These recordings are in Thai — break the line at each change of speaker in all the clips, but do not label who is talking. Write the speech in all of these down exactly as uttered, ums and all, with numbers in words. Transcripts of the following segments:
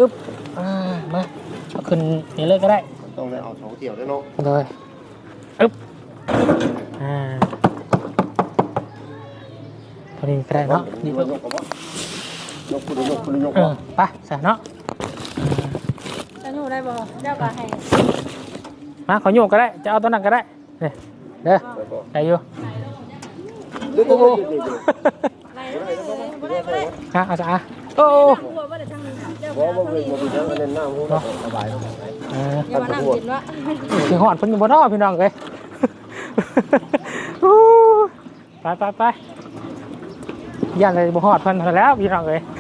อึ๊บอ่ามาเอาขึ้นนี่เลยก็ได้
ต้องได้เอาสองเกี่ยวด้วยเนาะ
เลยอึ๊บอ่าพอดีก็ได้เนาะ
นี่ว่ายกกับว่ายกคุณยกคุณยก
เออไปใส่เนาะ
จะหนูได้บ่เจ้าก็ให้
มาขอโยกก็ได้จะเอาตัวนั้นก็ได้เนี่ยเด้อได้อยู่โอ้โหฮะเอาจ้ะโอ้
บ่บ่เป็นบ่เป็นยังอันนั้นน้ำหัวสบาย
เออ
อย่ามานั่งกินวะ
ถึงหอดเพิ่นอยู่บ่เนาะพี่น้องเอ้ยไปไปไปย่านเลยบ่หอดเพิ่นแล้วพี่น้องเอ้ย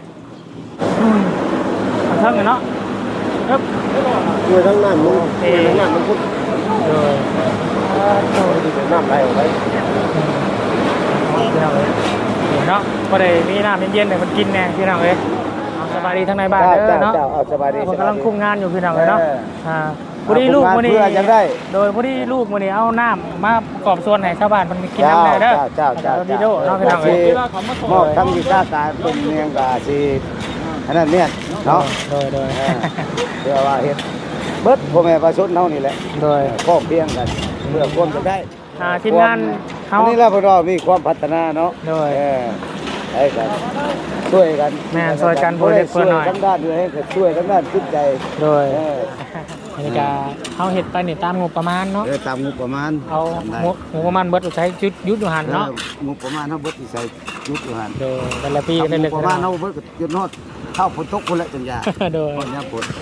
ทางเทิงเนาะครับ
ช่วยทั้งนั้นมึงช่วยทั้งนั้นมันพุทธ
เลย
โอ้ดีแต่น้ำไหลออกไป
พี่น้องเอ้ยเนาะบ่ได้มีน้ำเย็นๆให้มันกินแน่พี่น้องเอ้ยสบายดีทั้งในบ้านเด้อเนาะ
สบายดี
ผมกำลังคุมงานอยู่พี่น้องเลยเนาะอ่าพอดีลูกมื้อนี้โดยพอดีลูกมื้อนี้เอาน้ำมาประกอบส่วนให้ชาวบ้านมันกินน้ำได้เด้อ
เจ้าเจ้า
ดีโดเนาะพี่น้องเอ้ย
มอบทั้งวิชาการเป็นเมียงกาสิอันนั้นเนี่ยเนาะ
โดยโดย
เพื่อว่าเฮ็ดเบิดพ่อแม่ประชาชนเฮานี่แหละ
โดย
ก็เพียงกันเพื่อความจะได้
อ่าทีมงานเฮา
อันนี้เราพวกเรามีความพัฒนาเนาะ
โดย
เออไอ้กันช่วยกัน
แม่ช่วยกันบ่ได้เพิ่นหน่อย
ทั้งด้านด้วยให้ช่วยทั้งด้านจิตใจ
โดยอันนี้ก็เฮาเฮ็ดไปนี่ตามงบประมาณเนาะ
เออตามงบประมาณ
เอางบงบประมาณเบิดใช้ยุดยุดอยู่หั่นเนาะ
งบประมาณเฮาเบิดที่ใส่ยุดอยู่หั่น
โดยแต่ละปีได้เล็ก
ประมาณเฮาเบิดก็จนฮอดเข้าฝนตกพุ่นละจังยา
โดย
ฮอดยามฝน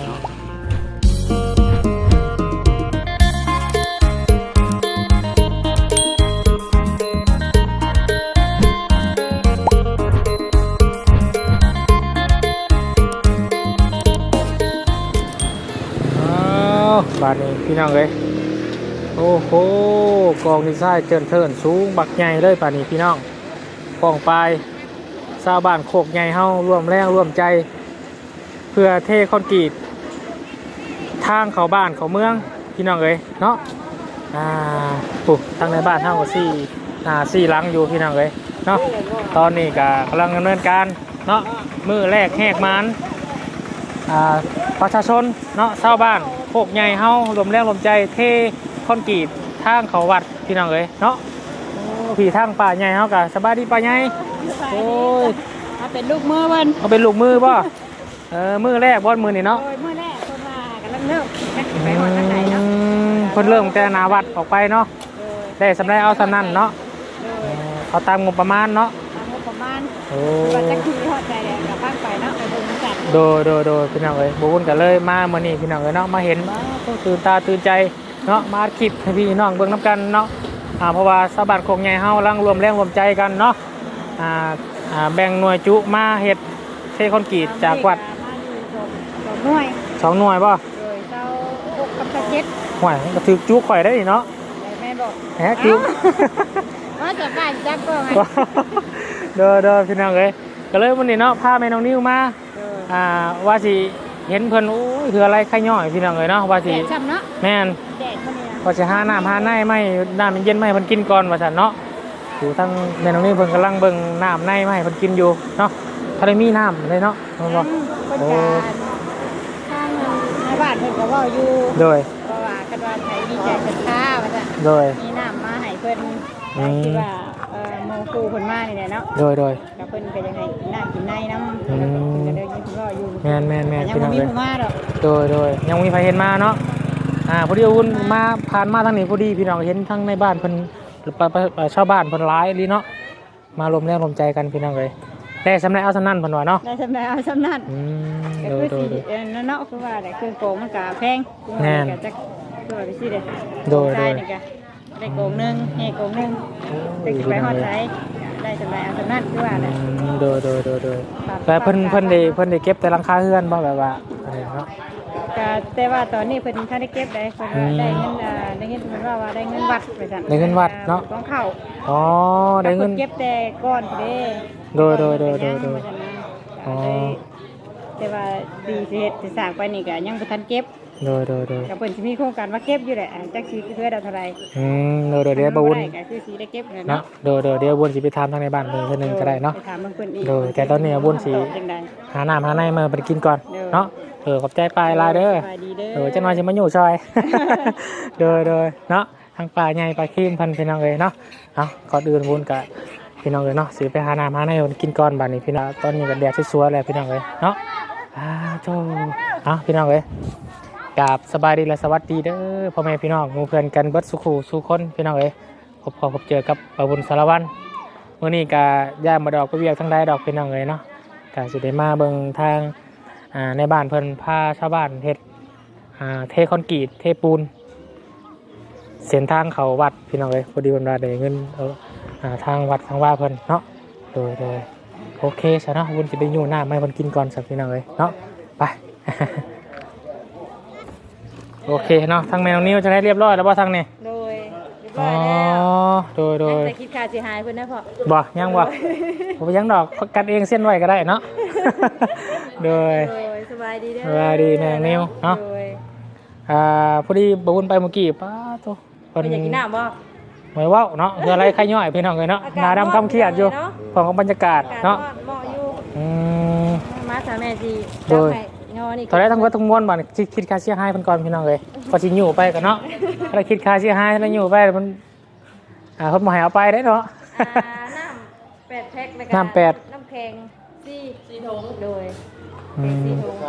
บ้านนี้พี่น้องเอ้ยโอ้โหกองดีไซน์เจินเทินสูงบักใหญ่เลยป่านนี้พี่น้องกองปลายชาวบ้านโคกใหญ่เฮาร่วมแรงร่วมใจ เพื่อเทคอนกรีตทางเข้าบ้านเข้าเมืองพี่น้องเอ้ยเนาะอ่าปุ๊บตั้งในบ้านเฮาก็สี่อ่าสี่หลังอยู่พี่น้องเอ้ยเนาะตอนนี้ก็กำลังดำเนินการเนาะมือแรกแหกมันอ่าประชาชนเนาะชาวบ้านโคกใหญ่เฮารวมแรงรวมใจเทคอนกรีตทางเขาวัดพี่น้องเอ้ยเนาะพี่ทางป่าใหญ่เฮากะสบายดีป่าใหญ่โอ้ย
มาเป็นลูกมือเพิ่น
เอาเป็นลูกมือป่ะเออมือแรกบ่มือนี่เนาะ
โดยมือแรกเพิ่นว่ากำลังเริ่มไปฮอดทางไหนเนาะ
เพิ่นเริ่มแต่นาวัดออกไปเนาะได้สำได้เอาสำนั่นเนาะเอาตามงบประมาณเนาะ
ตามงบประมาณ
โอ้
ว่าจะคือฮอดใจกับบ้านไปเนาะไปเบิ่งกัน
โดยโดยโดยพี่น้องเอ้ยบ่วุ่นกันเลยมามื้อนี้พี่น้องเอ้ยเนาะมาเห็นตื่นตาตื่นใจเนาะมาคลิปให้พี่น้องเบิ่งนํกันเนาะอ่าเพราะว่าชาวบ้านโคกใหญ่เฮากำลังรวมแรงรวมใจกันเนาะอ่าอ่าแบ่งหน่วยจุมาเฮ็ดเทคอนกรีตจากวัด
สองหน่วย
สองหน่วยป่ะ
โดยเจ้าหกกับเจ็ด
ห่วยก็ถือจุข่อยได้เนาะ
แม่บอก
แหมจุ
ว่าจะบ้านจักก็ไง
เด้อเด้อพี่น้องเอ้ยก็เลยวันนี้เนาะพาแม่น้องนิ้วมาอ่าว่าสิเห็นเพิ่นโอ้ยคืออะไรไข่ย่อยพี่น้องเอ้ยเนาะว่าสิแม่นว่าสิหาน้ำหาในไม่น้ำเย็นๆไม่เพิ่นกินก่อนว่าซั่นเนาะอยู่ทั้งแม่น้องนิ้วเพิ่นกำลังเบิ่งน้ำในไม่เพิ่นกินอยู่เนาะถ้าได้มีน้ำเลยเนาะเพิ่นบ่
โอ้ทางในบ้านเพิ่นก็เว้าอยู่
โดย
เพราะว่าคันว่าใครมีใจศรัทธาว่าซั่น
โดย
มีน้ำมาให้เพิ่นที่ว่าเอ่อโมกูเพิ่นมานี่แหละเนาะ
โดยโดย
ก็เพิ่นก็ยังไงกินน้ำกินในน้ำก็เดินยินรออยู่
แม่นแม่นแม่น
ยังมีผู้มาดอก
โดยโดยยังมีใครเห็นมาเนาะอ่าพอดีอุ่นมาผ่านมาทางนี้พอดีพี่น้องเห็นทั้งในบ้านเพิ่นชาวบ้านเพิ่นหลายลีเนาะมารวมแรงรวมใจกันพี่น้องเลยได้สำเร็จเอาสำนั่นเพิ่นว่าเนาะ
ได้สำเร็จเอาสำนั่น
อืม
โดยโดยเออเนาะคือว่าได้คือโกงมันก็แพง
แน่น
ก็จะคือว่าไปสิเด้
โดยโดย
ได้โกงนึงให้โกงนึงได้สิไปฮอดไสได้สำเร็จเอาสำนั่นคือว่าแหละ
โดยโดยโดยโดยแต่เพิ่นเพิ่นได้เพิ่นได้เก็บแต่หลังคาเฮือนบ่แบบว่าอะไรเนาะ
ก็แต่ว่าตอนนี้เพิ่นท่านได้เก็บได้เพิ่นได้เงินได้เงินเพิ่นว่าว่าได้เงินวัดไปซั่น
ได้เงินวัดเนาะ
ของเขา
อ๋อได้เงิน
เก็บแต่ก้อนเด้
โดยโดยโดยโดยโดย
อ๋อแต่ว่าดีสิเฮ็ดสิสร้างไปนี่ก็ยังบ่ทันเก็บ
โดยโดยโดย
กับเพิ่นสิมีโครงการว่าเก็บอยู่แหละอ่าจักสิคือได้เท่าไหร่
อืมโดยโดยเดี๋ยวบ่วุ่น
ได้ก็คือสิได้เก็บนั่น
เนาะ
เนาะ
โดยโดยเดี๋ยววุ่นสิไปถามทางในบ้านเพิ่นเทื่อนึงก็ได้เนาะ
ไปถามเบิ่งเพิ่นอีก
โดยแต่ตอนนี้วุ่นสิ
ตอบจังใด
หาน้ำหาในมาไปกินก่อน
เด้อ
เนาะเออขอบใจปลายลายเด้อ
สบายดีเด้อ
เออจังหน่อยสิมาอยู่ซอย โดยโดยเนาะทางปลาใหญ่ปลาคีมพันพี่น้องเอ้ยเนาะเอาก่อนอื่นวุ่นกะพี่น้องเอ้ยเนาะสิไปหาน้ำหาในกินก่อนบัดนี้พี่น้องตอนนี้ก็แดดสวยๆแล้วพี่น้องเอ้ยเนาะอ่าโธ่เอาพี่น้องเอ้ยกราบสบายดีและสวัสดีเด้อพ่อแม่พี่น้องหมู่เพื่อนกันเบิดสุขสู่คนพี่น้องเอ้ยพบพอพบเจอกับปะบุญสารวัตรมื้อนี้ก็ย่ามาดอกไปเวียกทั้งใดดอกพี่น้องเอ้ยเนาะก็สิได้มาเบิ่งทางอ่าในบ้านเพิ่นพาชาวบ้านเฮ็ดอ่าเทคอนกรีตเทปูนเส้นทางเขาวัดพี่น้องเอ้ยพอดีเพิ่นว่าได้เงินเอาอ่าทางวัดทางว่าเพิ่นเนาะโดยโดยโอเคซะเนาะวุ้นสิไปอยู่น้ำให้เพิ่นกินก่อนสักพี่น้องเอ้ยเนาะไป โอเคเนาะทางแมวนิ้วจะได้เรียบร้อยแล้วบ่ทางนี้
โดยเรียบ
อ๋
ร้
อ
อยแล้ว
โดยโดย
แต่คิดค่าสิหายเพิ่นนะพ่อ
บ่ยังบ่ผมยังดอกกันเองเส้นไว้ก็ได้เนาะ โดย
โดยสบายดีเด้อ
สบายดีแม่นิ้วเนาะ
โดย
อ่าพอดีบ่วุ้นไปเมื่อกี้ป้าโตเพิ่น
เพิ่นอยากกินน้ำบ่
หมายเว้าเนาะคืออะไรใครย่อยพี่น้องเอ้ยเนาะหน้าดำคำเครียดอยู่ของบรรยากาศ
อากาศ
เนาะ
ร้อนเหมาะอยู่
อืม
มาสามแม่สิ
โดย
จับให้งอนี่
ตอนแรกทั้งวัดทั้งมวลบ่นี่คิดคิดค่าเสียหายเพิ่นก่อนพี่น้องเอ้ยพอสิอยู่ไปกันเนาะถ้าคิดค่าเสียหายแล้วอยู่ไปมันอ่าเพิ่นบ่ให้เอาไปได้เนาะ
อ่าน้ำแปดแพ็คแล้วก็
น้ำแปด
น้ำแข็งสี่สี่ถุงโดย
อืม
สี่ถุง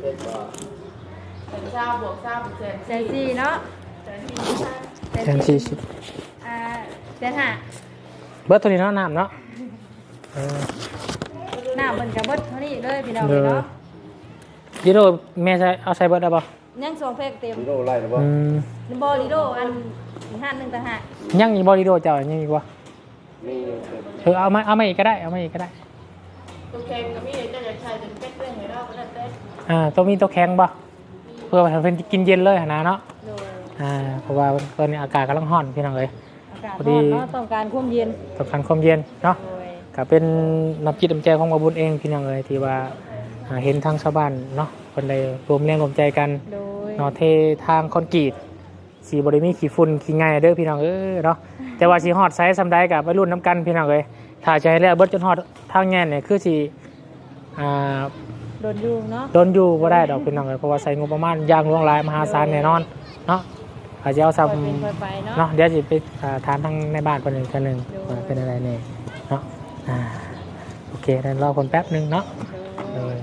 เป็นเช้าบวกเช้าเป็นเศษ
แสนสี่เนาะ
แทนสี่สิบ
อ่าแสนห้า
เบิดตัวนี้เนาะน้ำเนาะเออ
น้ำมันกับเบิดเท่านี้เลยพี่น้อง
เด้อ
เนาะ
ยิโร่แม่ใช้เอาใส่เบิดได้ป่ะ
ยังสองแพ็คเต็ม
ฮีโร่ไล่หรือเปล่า
อืม
บอลิโดอันห้าหนึ่งต่างหาก
ยังอีกบอลิโดเจ้ายังอีกวะ
มี
เออเอามาเอามาอีกก็ได้เอามาอีกก็ได้
ตัวแกงก็มีเจ้าอยากใช้เป็นเป็ดเต้นให้เราก็ได้เต้น
อ่าตัวมีตัวแข็งป่ะเพื่อให้เพิ่นกินเย็นเลยหั่นนะเนาะ
โดย
อ่าเพราะว่าตอนนี้อากาศกำลังร้อนพี่น้องเอ้ย
อากาศ
พอ
ร้
ดี
อนเนาะต้องการความเย็น
ต้องการความเย็นเนาะ
โดย
ก็เป็นน้ำจิตน้ำใจของบาบุญเองพี่น้องเอ้ยที่ว่าอ่าเห็นทางชาวบ้านเนาะคนใดรวมแรงรวมใจกัน
โดย
เนาะเททางคอนกรีตสีบริมีขี้ฝุ่นขี้ไงเด้อพี่น้องเอ้ยเนาะแต่ว่าสีฮอดไซส์สำได้กับวัยรุ่นน้ำกันพี่น้องเอ้ยถ้าใจแล้วเบิดจนฮอดทางแง่นเนี่ยคือสีอ่า
โดนอยู่เนาะ
โดนอยู่บ่ได้ดอกพี่น้องเอ้ยเพราะว่าใส่งบประมาณอย่างหลวงหลายมหาศาลแน่นอนเนาะอาจจะเอาซ้
ค่อยเป็นค่อยไปเนาะ
ำเนาะเดี๋ยวจะไปอ่าถามทางในบ้านคนหนึ่งคนหนึ่งว่าเป็นอะไรเนี่ยเนาะอ่าโอเคเดี๋ยวรอคนแป๊บหนึงเนาะ
โด
เลย ย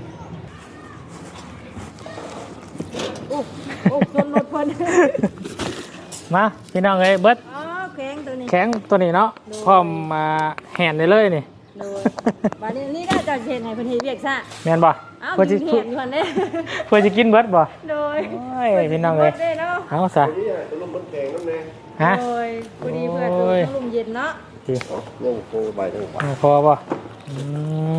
โอ้โอ้ชนรถเพิ่น
มาพี่น้องเอ้ยเบิด
อ๋อแข็งตัวนี้
แข็งตัวนี้เนาะพร้อมมาแห่นได้เลยนี่
โดยบัดนี้นี่ได้จะเห็นให้เพิ่นเฮ็ดเวียกซะ
แม่นบ่
อ้าว
เพื่อ
ยิ
จะ
งเห็นอยู่หั่นเด้
เพื่อจะกินเบิดบ่
โดย
โอ้ยพี่น้องเอ้ย
พิ่สิบิดด้เนาะ
เอาซะ
นี่ตัวลมมันแข็งน้ำแน่
ฮะ
โดยพอดีเพื่อน
โอ้ย
ลมเย็นเนาะ
ดี
ยังโคใบทั้งฝ่า
พอบ่อืม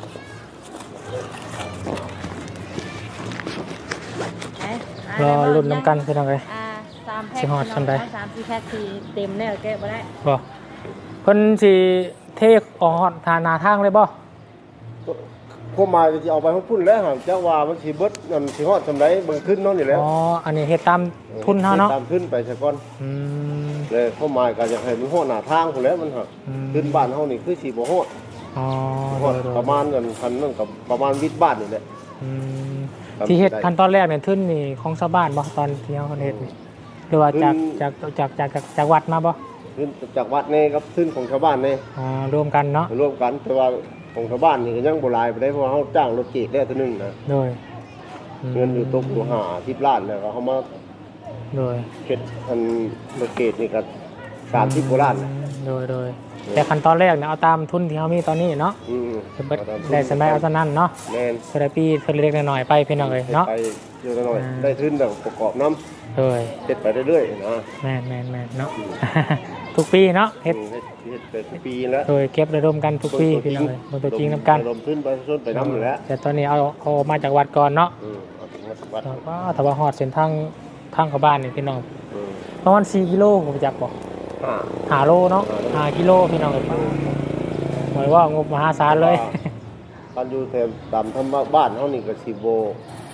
ไหน
รอลุ้นน้ำกันพี่น้องเอ้ย
อ่าสามแพ็ค
สิฮอดส่ำใด
สามสี่แพ็คที่เต็มแล้วแกะบ่ได้
บ่เพิ่นสิเทออกฮอดทาหนาทางเลยบ่
พวกมาจะเอาไปให้พุ่นแล้วหากจะว่ามันสิเบิดนั่นสิฮอดสำไรเบิ่งขึ้นเนาะนี่แหล้ว
อ๋ออันนี้เฮ็ดตามทุนเฮาเนาะ
ตามขึ้นไปซะก่อน
อืม
เลยเข้ามาก็จะให้มันฮอดหน้าทางพุ่นแหล้วมันหัก
อืม
ขึ้นบ้านเฮานี่คือสิบ่ฮอด
อ๋อ
ฮอด
โดยๆ
ประมาณนั้นคันนั่นกับประมาณวิดบ้านนี่แหละ
อืม
ครับ
ที่เฮ็ด
ได้
ขั้นตอนแรกเนี่ยทุนนี่ของชาวบ้านบ่ตอนที่เฮาเฮ็ดนี่หรือว่าจาก
ทุน
จากจากจากจากจากวัดมาบ่
ขึ้นจากวัดนี่กับขึ้นของชาวบ้านนี่
อ่ารวมกันเนาะ
ร่วมกันแต่ว่าของชาวบ้านนี่ก็ยังบ่หลายไปได้เพราะว่าเฮาจ้างรถเกตได้ตัวหนึงนะ
โดยม
เงินอยู่ตกอยู่ห้าสิบล้านแล้วก็เฮามา
โดย
เฮ็ดอันรถเกตนี่ก็สามสิบกว่าล้านนะ
โดยโดยแต่ขั้นตอนแรกเนี่ยเอาตามทุนที่เขามีตอนนี้เนาะ
อืม
จะเบิดได้สมัยเอาตอนนั้นเนาะ
แม่น
เทอราปีเทอเล็กๆน้อยๆไปพี่น้องเลยเนาะ
ไปเยอะหน่อย
อ่า
ได้ทุนแล้วประกอบน้ำ
โดย
เฮ็ดไปเรื่อยๆนะ
แม่นแม่นแม่นเนาะ ทุกปีเนาะเฮ็ด
อืมเฮ็ดเฮ็ดไปทุกปีแล้ว
โดยเก็บระดมกันทุกปีพี่น้องเลยบนตัวจริงน้ำกัน
ลมทุนไปส่วนไปน้ำอยู่แล้ว
แต่ตอนนี้เอาเอามาจากวัดก่อนเนาะ
อืมเอาถึงวัด
ว่าถ้าว่าฮอดเส้นทางทางเข้าบ้านนี่พี่น้อง
อืม
ประมาณสี่กิโลผมจักบอก
อ่า
ห้าโลเนาะห้ากิโลพี่น้องเลยหมายว่างบมหาศาลเลย
การอยู่แถวตามธรรมบ้านเฮานี่ก็สิบ่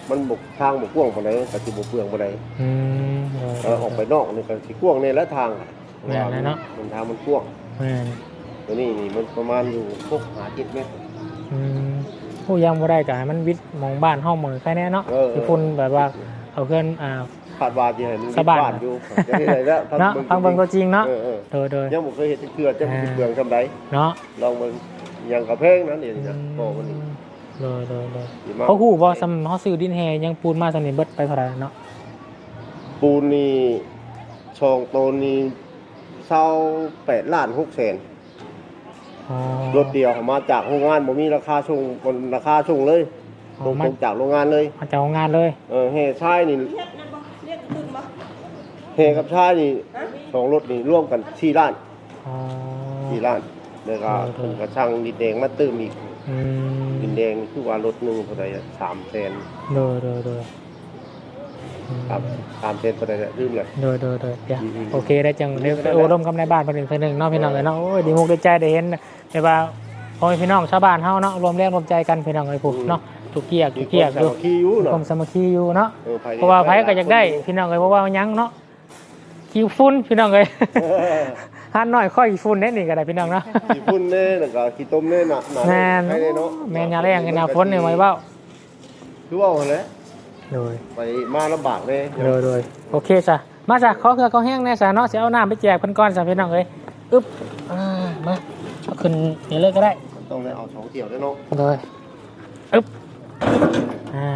มันบกทางบกกว้างปานใดก็สิบ่เปลืองปานใด
อืม
เออออกไปนอกนี่ก็สิกว้างในละทาง
แม่นแล้วเนาะ
มันทางมันกว้าง
แม่น
ตัวนี้นี่มันประมาณอยู่หกหาเจ็ดเมตร
อืมผู้ยังบ่ได้ก็ให้มันวิทย์มองบ้านห้องเหมือนแค่นี้เนาะ
เออ
ที่พุ่นแบบว่าเอาเพื่อนอ่า
คาดว่าสิให้มัน
สบาย
บ้านอยู่จะได้ได้แล้ว
เนาะฟังเบิ่งตัวจริงเนาะ
เออเออ
โดยโดย
ยังบ่เคยเห็นจักเทื่อจักสิเปลืองซำใด
เนาะ
ลองเบิ่งอย่างกระเพงนั้นนี่นะโตมันนี่
โดยโดยโดย
ดีมาก
เขาฮู้บ่ซ้ำเฮาซื้อดินแฮยังปูนมาสำนี้เบิดไปเท่าไหร่เนาะ
ปูนนี่ช่องโตนี่เศร้าแปดล้านหกแสน
อ๋อ
รถเดียวมาจากโรงงานบ่มีราคาส่งบนราคาส่งเลย
อ๋
ต
อ
รง
มัน
จากโรงงานเลย
มาจากโรงงานเลย
เออเฮชายนี่
เฮ็ดนั่นบ่เรียกขึ้นบ่
เฮกับชายนี่สองรถนี่ร่วมกันสี่ล้าน
อ๋อ
สี่ล้านแล้วก็
เออเออ
กระช่างดินแดงมาเติมอีก
อืม
ดินแดงนี่คือว่ารถหนึงเท่าไหร่อะสามแสน
โดยโดยโดยอืม
ครับสามแสนเท่าไหร่อะลืมเลย
โดยโดยโดยเดี๋ยว
อืม
โอเคได้จังเดี๋ยวได้โอ้ร่วมกับในบ้านเป็นหนึ่งคนหนึ่งเนาะพี่น้องเลยเนาะโอ้ยดีมุกได้ใจได้เห็นแต่ว่าพอพี่น้องชาวบ้านเฮาเนาะรวมแรงรวมใจกันพี่น้องเลยผูกเนาะถูกเกียกถูกเกียก
มี
อยู่
ความสามัคคีอยู่เนาะ
ความสามัคคีอยู่เนาะ
ออภยใน
เพราะว่าไผก็อยากได้พี่น้องเลยเพราะว่ายังเนาะคิวฟุ้นพี่น้องเลย
เออ
หันหน่อยค่อยฟุ้นเด้นี่ก็ได้พี่น้องเนาะ
ขี้ฝุ่นแน่แล้วก็ขี้ต้มแน่น่ะน่ะ
แม่น
ให้ได้เนาะ
แม่นยาแรงกันนะฝนนี่ไว้เบ้า
คือว่าหั่นแหละ
โดย
ไปมาลำบากเลย
โดยโดยโอเคจ้ะมาจ้ะขอเกลือขอแห้งแน่จ้ะเนาะสิเอาน้ำไปแจกเพิ่นก่อนจ้ะพี่น้องเอ้ยอึ๊บอ่ามาเอาขึ้นนี่เลยก็ได้
ต้องได้เอาสองเที่ยวด้วยเนาะ
โดยอึ๊บอ่า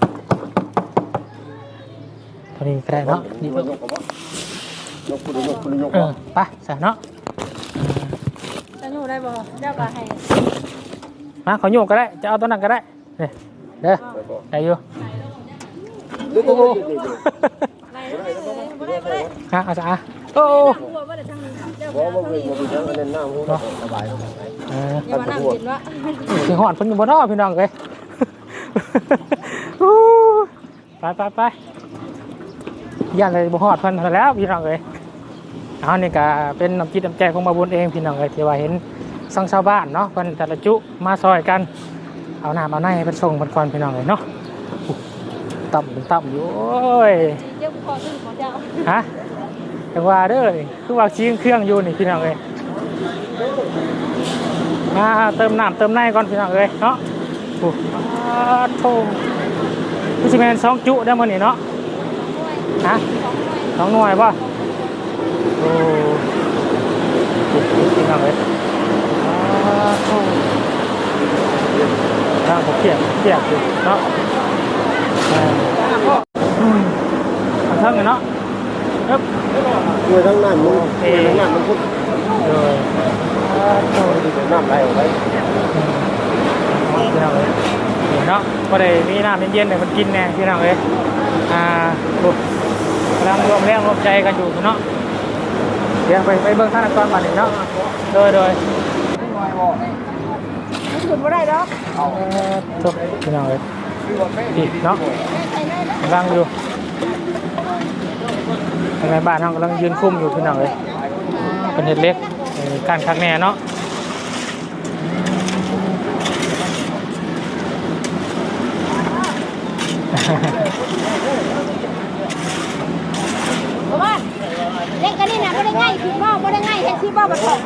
ตอนนี้ก็ได้เนาะ
นี่
นี่
มัน
เพิ่น
ยกกับว่ายกคุณยกคุณยก
เอ
บ่
อไปจ้ะเนาะ
จะอยู่ได้บ่เจ้าก็ให้
มาขอโยกก็ได้จะเอาตัวนั้นก็ได้นี่เด้อ
ไปบ่
ได้อยู่
เดี๋ยว
โอ้โห
เดี๋ยวเดี๋ยว
ได้บ่ได้บ่ได้
ฮะเอาจ้ะอ่ะโอ้
หัวบ่ได้ทางนี้เจ้า
บ่บ่บ่บ่ยังอันนั้นน้ำหัวสบายสบาย
เออ
อย่ามานั่งกินวะ
สิหอดเพิ่นอยู่บ่เนาะพี่น้องเอ้ย อู้ไปไปไปย่านเลยบ่ฮอดเพิ่นซะแล้วพี่น้องเอ้ยเอานี่ก็เป็นน้ำจิตน้ำใจของมาบุญเองพี่น้องเอ้ยที่ว่าเห็นสังชาวบ้านเนาะเพิ่นแต่ละจุมาซอยกันเอาน้ำเอาในให้เพิ่นส่งเพิ่นก่อนพี่น้องเอ้ยเนาะอู้ต่ำเป็นต่ำอยู่โอ้ย
เจ้าขอซื้อของเจ้า
ฮะจังว่าเด้อนี่คือว่าชี้เครื่องอยู่นี่พี่น้องเอ้ยมาเติมน้ำเติมในก่อนพี่น้องเอ้ยเนาะโอ้อ่าโธ่พี่สิแม่นสองจุได้มื้อนี้เนาะฮะสองหน่วยป่ะโอ้พี่น้องเอ้ยอ่าโธ่ทางผมเกลียดเกลียดอยู่เนาะอ่าอืมทางเทิงเลยเนาะครับ
คือทั้งนั้นมึงคือทั้งนั้นมันพุทธ
โดย
ที่เป็นน้ำไหลออกไป
พี่น้องเลยเนาะก็ได้มีน้ำเย็นๆให้มันกินแน่พี่น้องเลยอ่าปุ๊บกำลังรวมแรงรวมใจกันอยู่เนาะเดี๋ยวไปไปเบิ่งท่านก่อนมาหนึ่งเนาะโดยโดย
ขึ้นบ่ได้ดอก
เอาจบพี่น้องเลยดีเนาะกำลังอยู่ในบ้านเรากำลังยืนคุ้มอยู่พี่น้องเลยเป็นเห็ดเล็กการคักแน่เนาะ
บ่ว่าเล่นกันนี่น่ะบ่ได้ง่ายคือบ่บ่ได้ง่ายแค่ที่บ่บ่ตก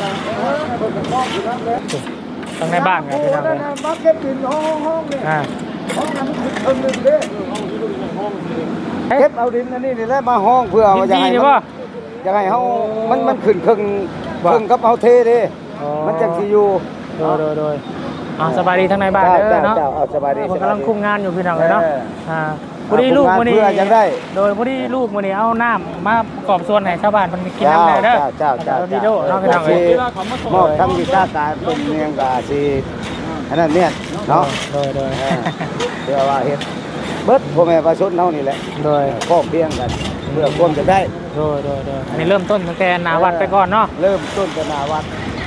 ตั้งในบ้านกันพี่น้องเลย
มาเก็บดินห้องห้องเนี่ย
อ่า
ห้องนั้นเพิ่มหนึ่งเด้เก็บเอาดินอันนี้นี่แหละมาห้องเพื่อ
ดิ
ว่าน จะ
ดี
ให้
นี่
มัน
ป่ะ
จะให้เฮามันมันขึ้นครึ่งครึ่งกับเฮาเทเด้
อ๋อ
มันจังสิอยู่
โดยโดยโดยอ่าสบายดีทั้งในบ้านเด้อเนาะ
จ้เอาสบายดี
ผมกำลังคุมงานอยู่พี่น้องเลยเนาะ
เออ
อ่าพอดีลูกมื้อนี้
เพื่อจะได้
โดยพอดีลูกมื้อนี้เอาน้ำมากรอบส่วนให้ชาวบ้านมันกินน้ำได้เด้อ
เจ้าเจ้า
เอาดี
เจ้า
โดเนาะพี่น้องเอ้ย
มอบทั้งวิชาการเป็นเมียงกาสิอันนั้นเนี่ยเนาะ
โดยโดย
เออเพื่อว่าเฮ็ดเบิดพ่อแม่ประชาชนเฮานี่แหละ
โดย
พ้องเพียงกันเพื่อความจะได้
โดยโดยโดยอันนี้เริ่มต้นตั้งแต่หนาวัดไปก่อนเนาะ
เริ่มต้นกันหนาวัด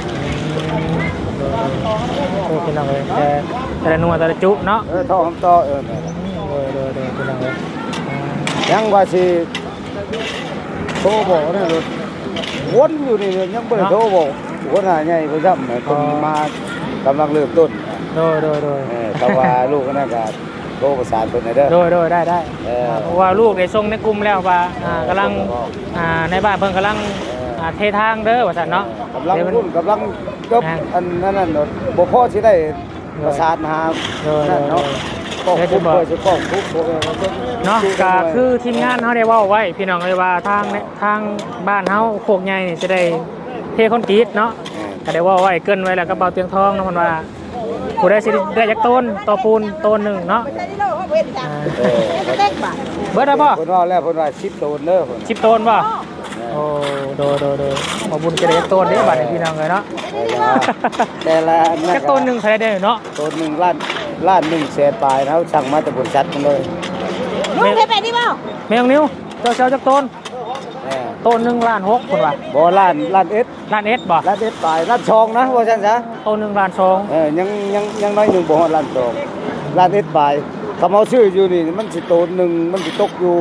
โอ้พี่น้องเลยแต่แต่ละหนัวแต่ละจุเนาะ
เออท่อคำต่อเออนั่นแหละ
โดยโดยโดยพี่น้องเลย
ยังว่าสิโทรบอกนี่รถวนอยู่นี่เลยยังบ่ได้โทรบอกคนหาใหญ่เพิ่นซ้ำเพิ่นมากำลังเริ่มต้น
โดยโดยโดย
เออแต่ว่าลูกนั่นก็โทรประสานเพิ่นให้เด้อ
โดยโดยได้ได้
เออ
เพราะว่าลูกได้ส่งในกลุ่มแล้วว่าอ่ากำลังอ่าในบ้านเพิ่นกำลังอ่าเททางเด้อว่าซั่นเนาะ
กำลัง
เดี๋ยวมัน
รุ่นกำลังจบ
อ่า
อันนั้นน่ะเนาะบ่พอสิได้ประสานหา
โดย
นั่นเนาะ
โดย
ก็
เดี๋ยวจะ
คุ
บอก
เพื่อสิป้องทุกข์พวกนี้
เนาะก็คือทีมงานเฮาได้เว้าไว้พี่น้องเลยว่าทางเนี่ยทางบ้านเฮาโคกใหญ่นี่จะได้เทคอนกรีตเนาะก็ได้เว้าไว้เกรินไว้แล้วก็เบาเตียงทองเนาะมันว่าผู้ใดสิได้จักต้นต่อปูนต้นหนึงเนาะอ่า
เออ
เบิดได้บ่
เพิ่นว่าแล้วเพิ่นว่าสิบโตนเด้อเพิ่น
สิบต้นบ่โอ้โดยโดยโดยมาบุญจะได้จักต้นเด้บัดนี้พี่น้องเลยเนาะ
แต่ละแต่ละ
จักต้นหนึงใครได้เนาะ
ต้นหนึงล้านล้านหนึ่งแสนปลายนะเขาสั่งมาแต่บริษัทมันเลย
ลูกเคยไปนี่บ่
แมงนิ้วเจ้าเจ้าจักต้น
เออ
ต้นหนึงล้านหกคนว่า
บ่ล้านล้านเอ็ด
ล้านเอ็ดบ่
ล้านเอ็ดปลายล้านชองนะว่าซั่นซะ
ต้นหนึงล้านสอง
เออยังยังยังน้อยหนึงบ่ฮอดล้านชองล้านเอ็ดปลายคำเอาชื่ออยู่นี่มันสิโตนหนึงมันสิตกอยู่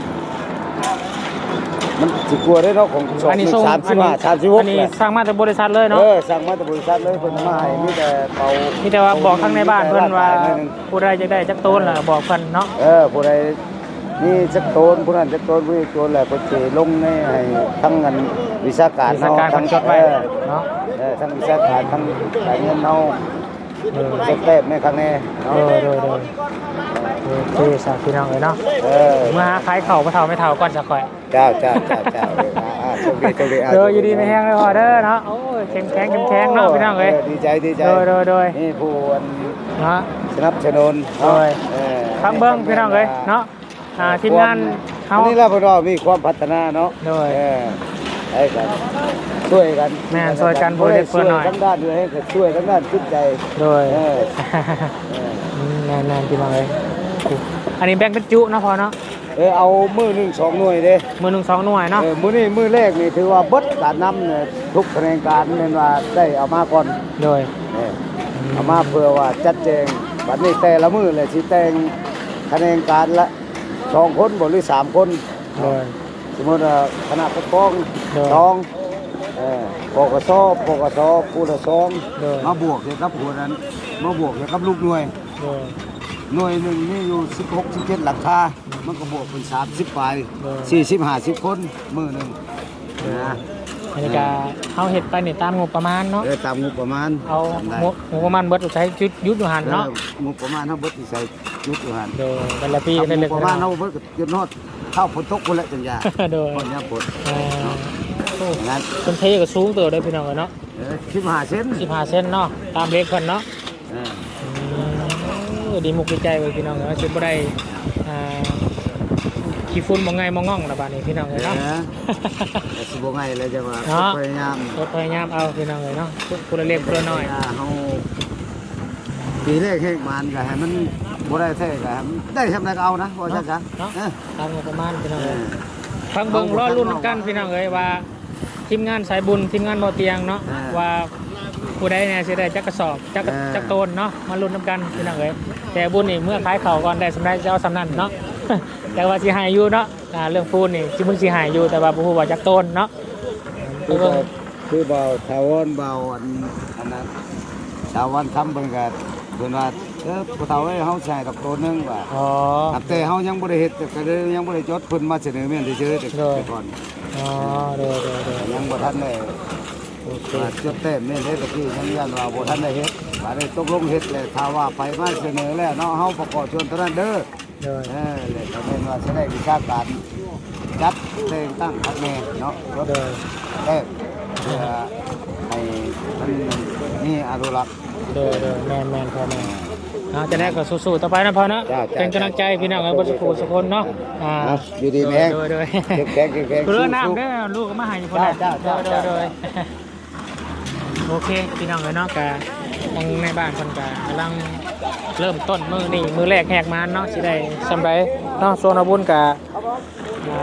มันสิกลัวได้เนาะของสอง
อัน
ห
นี้
นึ่
ส่ง
งสามสิบห้าสามสิบหก
อันนี้
แหละ
สร้างมาจากบริษัทเลยเนาะ
เออสั่งมาแต่บริษัทเลยเพิ่นมาให้มีแต่เป่า
มีแต่ว่าบอกข้างในบ้านเพิ่นว่า
หน่อยหนึ่ง
ผู้ใดจะได้จักต้นล่ะบอกเพิ่นเนาะ
เออผู้ใดนี่จักโตนผู้นั้นจักโตนผู้นี้โตนแหละเพิ่นสิลงในให้ทั้งเงินวิชาการ
มีสการ
ทั้
เพิ่
ง
นจดไว้
เออ
เนาะ
เออทั้งวิชาการทั้งการเงินเฮา
เออ
เก็บแต้มในครั้งนี้
เอ
เนาะ
อโดยโดยโอเคสาธุพี่น้องเลยเนาะ
เออ
เมื่อหาขายเข่าบ่เท่าไม่เท่าก่อนจะค่อย
เจ้าเจ้าเจ้าเจ้าเอออ่าอ่าโชคดีโชคดีะ
เด้ออยู่ดีไม่แห้งเลยพอเด้อเนาะโอ้ยเข้มแข็งเข้มแข็งเนาะพี่น้องเอ้ย
ดีใจดีใจ
โดยโดยโดย
นี่ผู้อัน
เนาะ
สนับสนุน
โดย
เออ
ฟังเบิ่งพี่น้องเอ้ยเนาะอ่าทีมงานเฮา
อันนี้เราเพิ่นว่ามีความพัฒนาเนาะ
โดย
เออให้กันช่วยกัน
แม่นช่วยกันบ่ได้เพิ่นหน่อย
ช่วทั้งด้านด้วยให้ก็ช่วยทั้งด้านจิตใจ
โดย
เออเออ
อืมแน่ๆพี่น้องเอ้ยอันนี้แบ่งเป็นจุเนาะพอเนาะ
เออเอามือหนึ่งสองหน่วยเด้
มือหนึ่งสองหน่วยเนาะ
เออมือนี้มือแรกนี่ถือว่าเบิดการนำเนี่ยทุกคะแนนการเนี่ยว่าได้เอามาก่อน
โดย
เออเอามาเพื่อว่าจัดแจงบัดนี้แต่ละมือเลยสิแต่งคะแนนการละสองคนบ่หรือสามคน
โดย
สมมติว่าคณะปกครอง
โดย
สองเออปกสปกสผู้ละสอง
โดย
มาบวกเกี่ยวกับหัวนั้นมาบวกเกี่ยวกับลูกหน่วย
โดย
หน่วยหนึ่งนี่อยู่สิบหกสิบเจ็ดหลังคามันก็บวกเป็นสามสิบปลาย
เออ
สี่สิบห้าสิบคนมือหนึ่งนะ
อันนี้ก็เฮาเฮ็ดไปนี่ตามงบประมาณเนาะ
เออตามงบประมาณ
เอา
ทำได้
งบงบประมาณเบิดใช้ยุดยุดอยู่หันเนาะ
เอองบประมาณเท่าเบิดที่ใส่ยุดอยู่หัน
โดยแต่ละปี
ทำ
ได้
ง
เล็
บ
ก
ประมาณเท่าเบิดก็เก็บนอดเข้าฝนตกคนละจังยา
โดย
คนเนี้ยฝน
เอ่อโอ้
อย่างนั้น
คนเทก็สูงเติบได้พี่น้องเนาะ
เออสิบห้าเซน
สิบห้าเซนเนาะตามเลขเพิ่นเนาะ
เออ
อืมเออดีมุกดีใจเว้ยพี่น้องเนาะสิบ่ได้อ่าขี้ฝุ่นบ่ไงบ่ง่องละบาดนี้พี่น้อง
เอ
เอ้ยเนาะ
อแต่สิบไงเลยจังว่า
เนาะ
พยายาม
ก็พยายามเอาพี่น้องเลยเนาะคนละเล็กคนละน้อย
เฮาปีแรกเฮ็ดมันก็ให้มันบ่ได้แท้ก็ให้มันได้ทำได้ก็เอานะว่าซั่นซะ
เนาะ
เออ
ตามงบประมาณพี่น้อง
เอ
เอ้ย
อ
ฟังเบิ่งรอรุ่นกันพี่น้องเอ้ยว่าทีมงานสายบุญทีมงานบ่อเตียงเนาะว่าผู้ใดเนี่ยสิได้จักกระสอบจักกระจักโตนเนาะมาลุ้นนํกันพี่น้องเอ้ยแต่บุญนี่เมื่อขายข้าวก่อนได้สำไรจะเอาสำนั้นเนาะ แต่ว่าสิหายอยู่เนาะอ่าเรื่องปูนนี่สิมึงสิหายอยู่แต่ว่าบ่ฮู้ว่าจักโตนเนาะไป
คือ
เบิ่ง
เบาคือเบาทาวอนเบาอันอันนั้นทาวอนทำเบิ่งก็เพิ่นว่าเออผู้เฒ่าเอ้ยเฮาใช้ดอกโตนึงว่า
อ๋อ
แต่เฮายังบ่ได้เฮ็ดก็เลยยังบ่ได้จดเพิ่นมาเสนอแม่นเฉยๆแต่
โดย
แต่ก่อน
อ๋อเด้อเด้อเด้อ
ยังบ่ทันได้
โอเค
ว่าจดแต้มนี่เด้ตะกี้ยังยันว่าบ่ทันได้เฮ็ดว่าได้ตกลงเฮ็ดแล้วถ้าว่าไปมาเสนอแล้วเนาะเฮาประกอบชวนเท่านั้นเด้อ
เด้อ
เออเลยก็แม่นว่าสิได้วิชาการจัดแต่งตั้งพักแม่เนาะจด
เด้อ
แต้มเพื่อให้มันมีอนุรักษ์
เด้อเด้อแม่นแม่นพอแม่นเอาจะได้ก็สู้ๆต่อไปนะพอเนาะ
จ้าจ้า
เป็นกำลังใจพี่น้องเอ้ยบ่สุขสุคนเนาะอ่า
ครับอยู่ดีแม่ง
โดยโดย
เก็บแข็งเก็บแข็ง
เรือ
สู้ๆ
น้ำเด้อลูกก็มาให้คนละ
จ้าจ้า
โด
จ้า
ยโดยโดยโอเคพี่น้องเอ้ยเนาะกะทางในบ้านเพิ่นกะกำลังเริ่มต้นมื้อนี้มื้อแรกแหกมานเนาะสิได้สำไรเนาะโซนอาบุญกะอ่า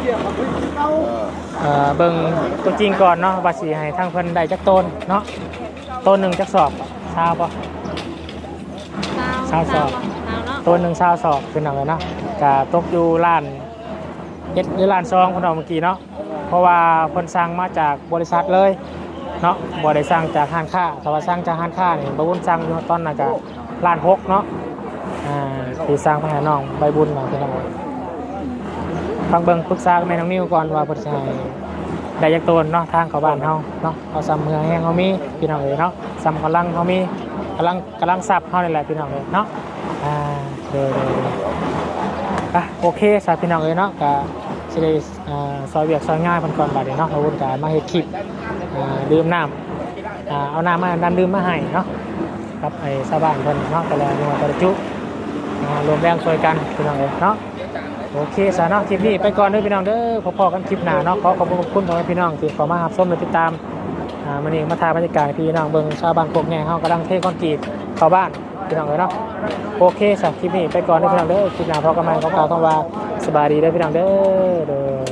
เอ่อเบิ่งตัวจริงก่อนเนาะว่าสิให้ทางเพิ่นได้จักต้นเนาะต้นหนึ่งจักสอบชาวปะชาวสอบต้นหนึ่งชาวสอบคือหนังเลยเนาะกะตกอยู่ล้านเจ็ดหรือล้านซองคนเอาเมื่อกี้เนาะเพราะว่าเพิ่นสั่งมาจากบริษัทเลยเนาะบ่ได้สั่งจากห้างค้าถ้าว่าสั่งจากห้างค้านี่บ่วุ่นสั่งอยู่ตอนนั้นก็ล้านหกเนาะอ่าที่สร้างพระให้น้องใบบุญมาพี่น้องฟังเบิ่งปรึกษากับแม่น้องนิวก่อนว่าเพิ่นสิให้ได้จักโตนเนาะทางเข้าบ้านเฮาเนาะเอาซ้ำเมืองแห้งเฮามีพี่น้องเอ้ยเนาะซ้ำกำลังเฮามีกำลังกำลังทรัพย์เฮานี่แหละพี่น้องเอ้ยเนาะอ่าเด้อๆอ่ะโอเคสาพี่น้องเอ้ยเนาะก็สิได้อ่าซอยเวียกซอยง่ายเพิ่นก่อนบัดนี้เนาะเอาวุ่นกันมาเฮ็ดคลิปอ่าดื่มน้ำอ่าเอาน้ำมาดันดื่มมาให้เนาะกับไอ้ชาวบ้านเพิ่นเนาะแต่ละจังหวัดแต่ละจุอ่ารวมแรงช่วยกันพี่น้องเอ้ยเนาะโอเคสาเนาะคลิปนี้ไปก่อนเด้อพี่น้องเด้อพอๆกันคลิปหน้าเนาะขอขอบคุณพ่อแม่พี่น้องที่เข้ามารับชมและติดตามอ่ามื้อนี้มาถ่ายบรรยากาศพี่น้องเบิ่งชาวบ้านโคกแง่เฮากำลังเทคอนกรีตเข้าบ้านพี่น้องเอ้ยเนาะโอเคสำหรับคลิปนี้ไปก่อนเด้อพี่น้องเด้อคลิปหน้าพบกันใหม่ขอกล่าวคำว่าสบายดีเด้อพี่น้องเด้อเด้อ